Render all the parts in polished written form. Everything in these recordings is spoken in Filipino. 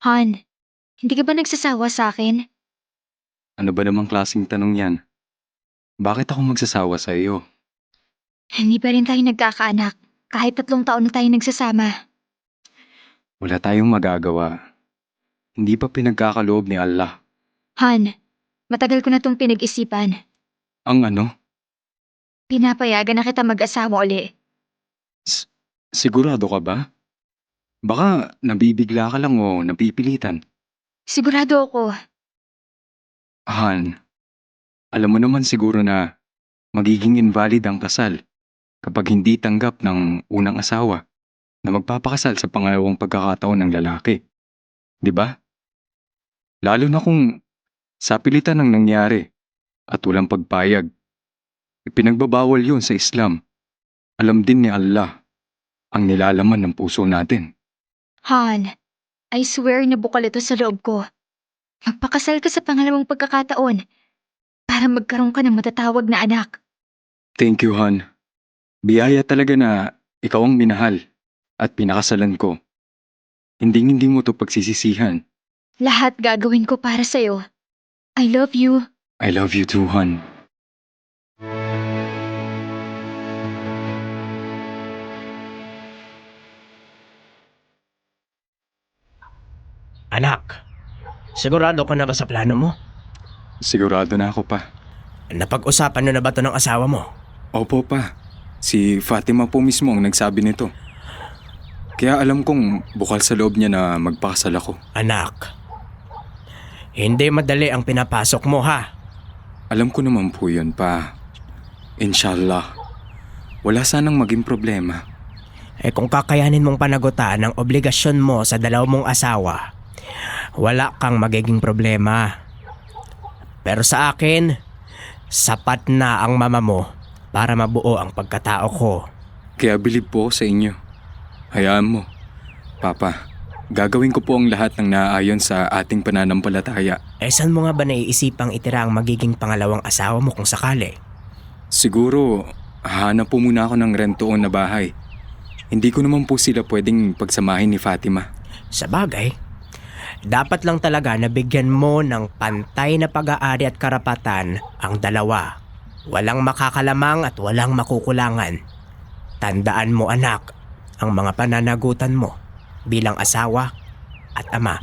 Han, hindi ka ba nagsasawa sa akin? Ano ba namang klaseng tanong yan? Bakit ako magsasawa sa iyo? Hindi pa rin tayo nagkakaanak. Kahit 3 taon na tayo nagsasama. Wala tayong magagawa. Hindi pa pinagkakaloob ni Allah. Han, matagal ko na tong pinag-isipan. Ang ano? Pinapayagan na kita mag-asawa uli. S- Sigurado ka ba? Baka nabibigla ka lang o napipilitan. Sigurado ako. Han, alam mo naman siguro na magiging invalid ang kasal kapag hindi tanggap ng unang asawa na magpapakasal sa pangalawang pagkakataon ng lalaki. 'Di ba? Lalo na kung sa pilitan ang nangyari at walang pagpayag. Ipinagbabawal yun sa Islam. Alam din ni Allah ang nilalaman ng puso natin. Han, I swear na bukal ito sa loob ko. Magpakasal ka sa pangalawang pagkakataon para magkaroon ka ng matatawag na anak. Thank you, Han. Biyaya talaga na ikaw ang minahal at pinakasalan ko. Hindi mo to pagsisisihan. Lahat gagawin ko para sa'yo. I love you. I love you too, Han. Anak, sigurado ka na ba sa plano mo? Sigurado na ako pa. Napag-usapan nyo na ba to ng asawa mo? Opo pa. Si Fatima po mismo ang nagsabi nito. Kaya alam kong bukal sa loob niya na magpakasal ako. Anak, hindi madali ang pinapasok mo ha. Alam ko naman po yun pa. Inshallah. Wala sanang maging problema. Kung kakayanin mong panagutan ang obligasyon mo sa dalawa mong asawa, wala kang magiging problema. Pero sa akin, sapat na ang mama mo para mabuo ang pagkatao ko. Kaya bilib po ako sa inyo. Hayaan mo. Papa, gagawin ko po ang lahat ng naaayon sa ating pananampalataya. Saan mo nga ba naiisipang itira ang magiging pangalawang asawa mo kung sakali? Siguro, hahanap po muna ako ng rentoon na bahay. Hindi ko naman po sila pwedeng pagsamahin ni Fatima. Sa bagay, dapat lang talaga na bigyan mo ng pantay na pag-aari at karapatan ang dalawa. Walang makakalamang at walang makukulangan. Tandaan mo anak, ang mga pananagutan mo bilang asawa at ama.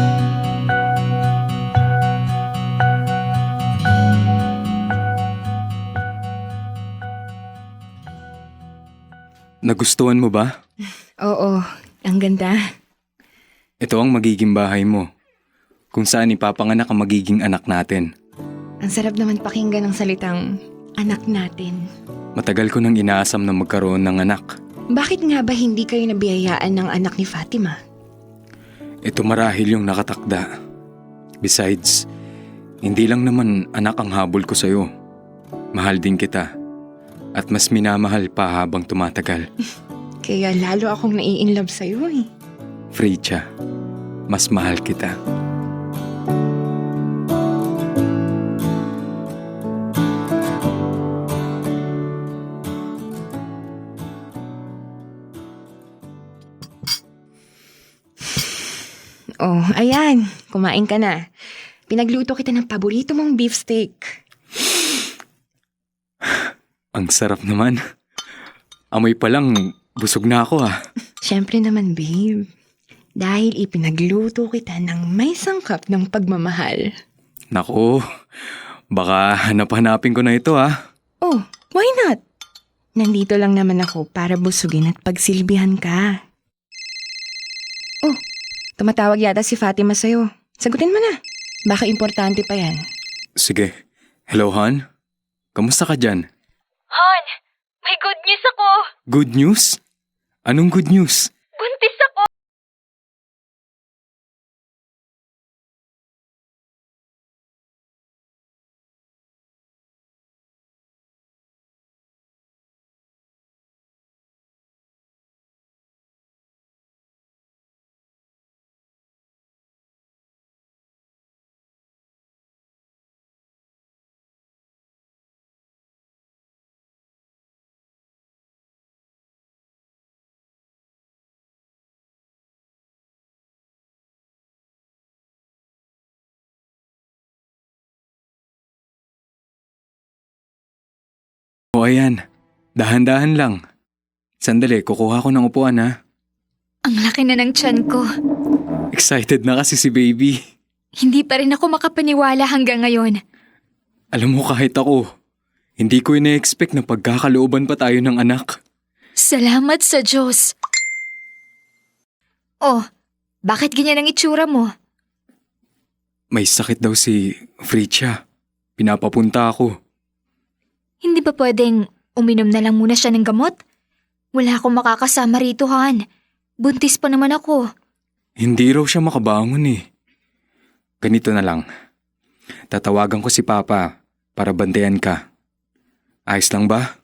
Nagustuhan mo ba? Oo, ang ganda. Ito ang magiging bahay mo. Kung saan ipapanganak ang magiging anak natin. Ang sarap naman pakinggan ng salitang anak natin. Matagal ko nang inaasam na magkaroon ng anak. Bakit nga ba hindi kayo nabiyayaan ng anak ni Fatima? Ito marahil yung nakatakda. Besides, hindi lang naman anak ang habol ko sa'yo. Mahal din kita. At mas minamahal pa habang tumatagal. Kaya lalo akong nai-inlove sa'yo eh. Freicha, mas mahal kita. Oh, ayan. Kumain ka na. Pinagluto kita ng paborito mong beefsteak. Ang sarap naman. Amoy pa lang, busog na ako ah. Siyempre naman, babe. Dahil ipinagluto kita ng may sangkap ng pagmamahal. Naku, baka hanap-hanapin ko na ito ah. Oh, why not? Nandito lang naman ako para busugin at pagsilbihan ka. Oh, tumatawag yata si Fatima sa'yo. Sagutin mo na. Baka importante pa yan. Sige. Hello, Han? Kamusta ka dyan? Han, may good news ako. Good news? Anong good news? Buntis ako. Okay yan. Dahan-dahan lang. Sandali, kukuha ko ng upuan ha. Ang laki na ng tiyan ko. Excited na kasi si baby. Hindi pa rin ako makapaniwala hanggang ngayon. Alam mo kahit ako, hindi ko ina-expect na pagkakalooban pa tayo ng anak. Salamat sa Diyos. Oh, bakit ganyan ang itsura mo? May sakit daw si Fritcha. Pinapapunta ako. Hindi ba pwedeng uminom na lang muna siya ng gamot? Wala akong makakasama rito, Han. Buntis pa naman ako. Hindi raw siya makabangon eh. Ganito na lang. Tatawagan ko si Papa para bantayan ka. Ayos lang ba?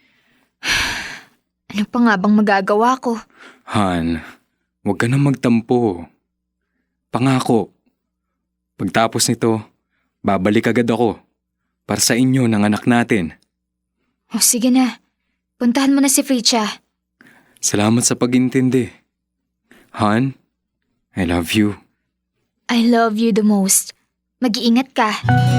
Ano pa nga bang magagawa ko? Han, huwag ka na magtampo. Pangako. Pagtapos nito, babalik agad ako para sa inyo ng anak natin. O sige na, puntahan mo na si Fritcha. Salamat sa pag-intindi. Han, I love you. I love you the most. Mag-iingat ka.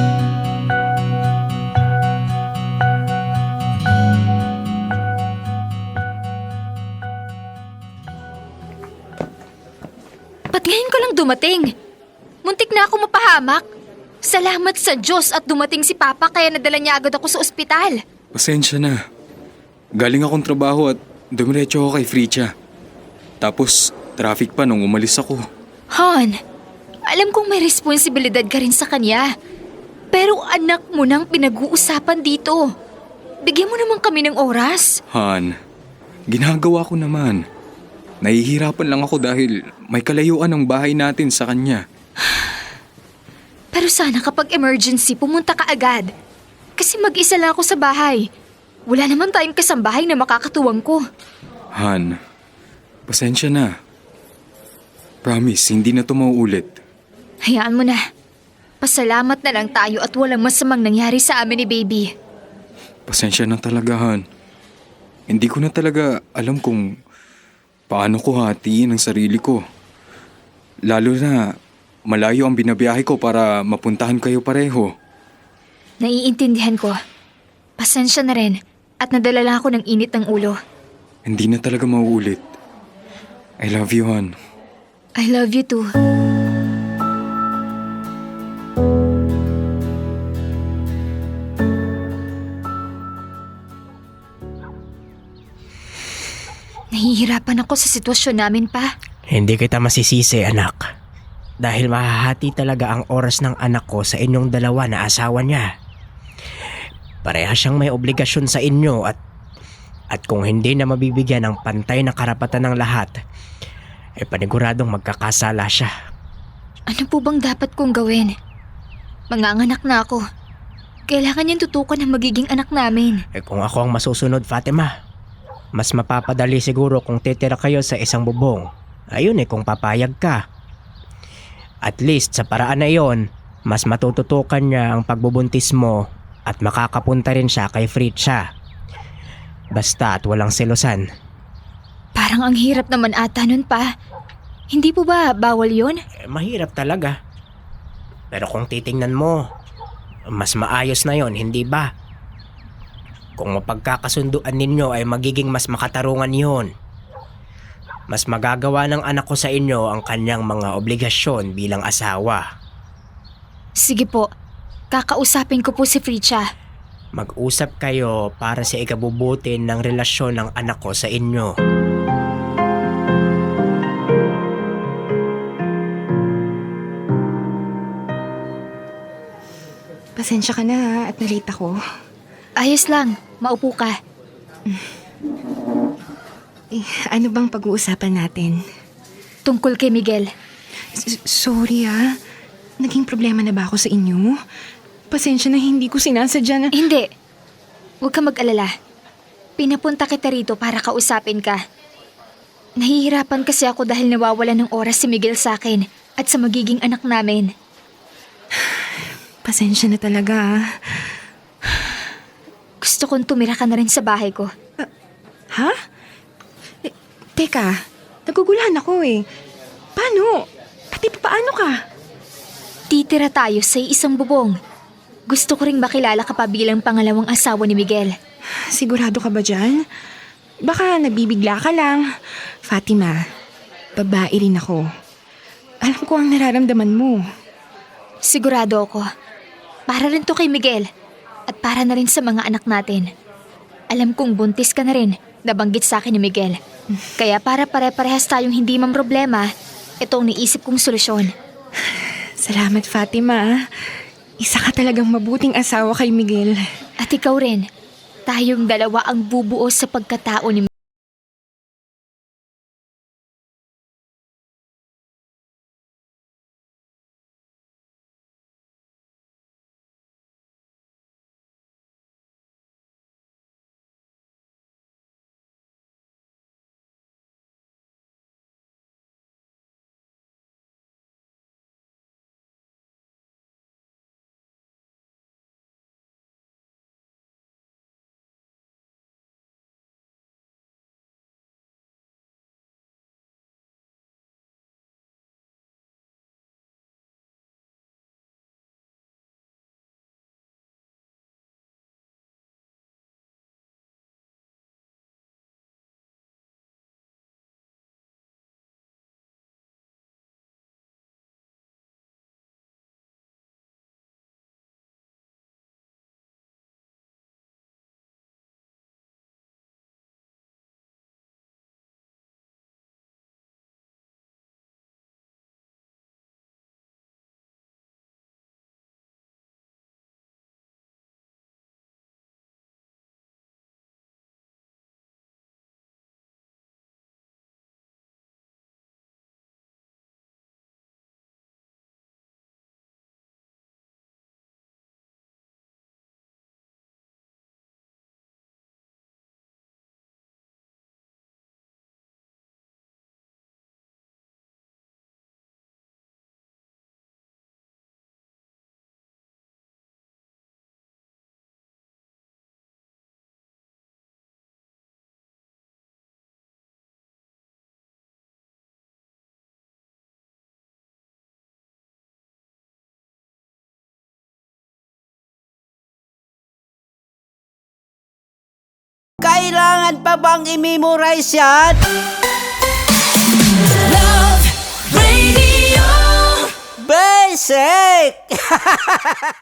Ba't ngayon ko lang dumating? Muntik na ako mapahamak. Salamat sa Diyos at dumating si Papa kaya nadala niya agad ako sa ospital. Pasensya na. Galing akong trabaho at dumiretso ako kay Fritcha. Tapos, traffic pa nung umalis ako. Han, alam kong may responsibilidad ka rin sa kanya. Pero anak mo nang pinag-uusapan dito. Bigyan mo naman kami ng oras. Han, ginagawa ko naman. Nahihirapan lang ako dahil may kalayuan ang bahay natin sa kanya. Pero sana kapag emergency, pumunta ka agad. Kasi mag-isa lang ako sa bahay. Wala naman tayong kasambahay na makakatuwang ko. Han, pasensya na. Promise, hindi na ito mauulit. Hayaan mo na. Pasalamat na lang tayo at walang masamang nangyari sa amin ni Baby. Pasensya na talaga, Han. Hindi ko na talaga alam kung paano ko hatiin ang sarili ko. Lalo na malayo ang binabiyahe ko para mapuntahan kayo pareho. Naiintindihan ko. Pasensya na rin at nadala lang ako ng init ng ulo. Hindi na talaga mauulit. I love you, Han. I love you too. Nahihirapan ako sa sitwasyon namin pa. Hindi kita masisisi, anak. Dahil mahahati talaga ang oras ng anak ko sa inyong dalawa na asawa niya. Pareha siyang may obligasyon sa inyo at kung hindi na mabibigyan ng pantay na karapatan ng lahat, paniguradong magkakasala siya. Ano po bang dapat kong gawin? Manganganak na ako. Kailangan niyang tutukan ang magiging anak namin. Kung ako ang masusunod, Fatima, mas mapapadali siguro kung titira kayo sa isang bubong. Ayun kung papayag ka. At least sa paraan na iyon, mas matututukan niya ang pagbubuntis mo at makakapunta rin siya kay Fritcha. Basta at walang selosan. Parang ang hirap naman ata nun pa. Hindi po ba bawal yun? Mahirap talaga. Pero kung titingnan mo, mas maayos na yon, hindi ba? Kung mapagkakasunduan ninyo ay magiging mas makatarungan yon. Mas magagawa ng anak ko sa inyo ang kanyang mga obligasyon bilang asawa. Sige po, kakausapin ko po si Fritcha. Mag-usap kayo para sa ikabubuti ng relasyon ng anak ko sa inyo. Pasensya ka na ha, at nalate ako. Ayos lang, maupo ka. Ano bang pag-uusapan natin? Tungkol kay Miguel. Sorry ha. Naging problema na ba ako sa inyo? Pasensya na hindi ko sinasadya na... Hindi. Huwag ka mag-alala. Pinapunta kita rito para kausapin ka. Nahihirapan kasi ako dahil nawawala ng oras si Miguel sa akin at sa magiging anak namin. Pasensya na talaga ha. Gusto kong tumira ka na rin sa bahay ko. Ha? Teka, nagugulahan ako Paano? Pati paano ka? Titira tayo sa isang bubong. Gusto ko ring makilala ka pa bilang pangalawang asawa ni Miguel. Sigurado ka ba dyan? Baka nabibigla ka lang. Fatima, babae rin ako. Alam ko ang nararamdaman mo. Sigurado ako. Para rin to kay Miguel. At para na rin sa mga anak natin. Alam kong buntis ka na rin, nabanggit sa akin ni Miguel. Kaya para pare-parehas tayong hindi problema, ito ang naisip kong solusyon. Salamat, Fatima. Isa ka talagang mabuting asawa kay Miguel. At ikaw rin. Tayong dalawa ang bubuo sa pagkatao ni Miguel. Kailangan pa bang i-memorize yan? Love Radio. Basic!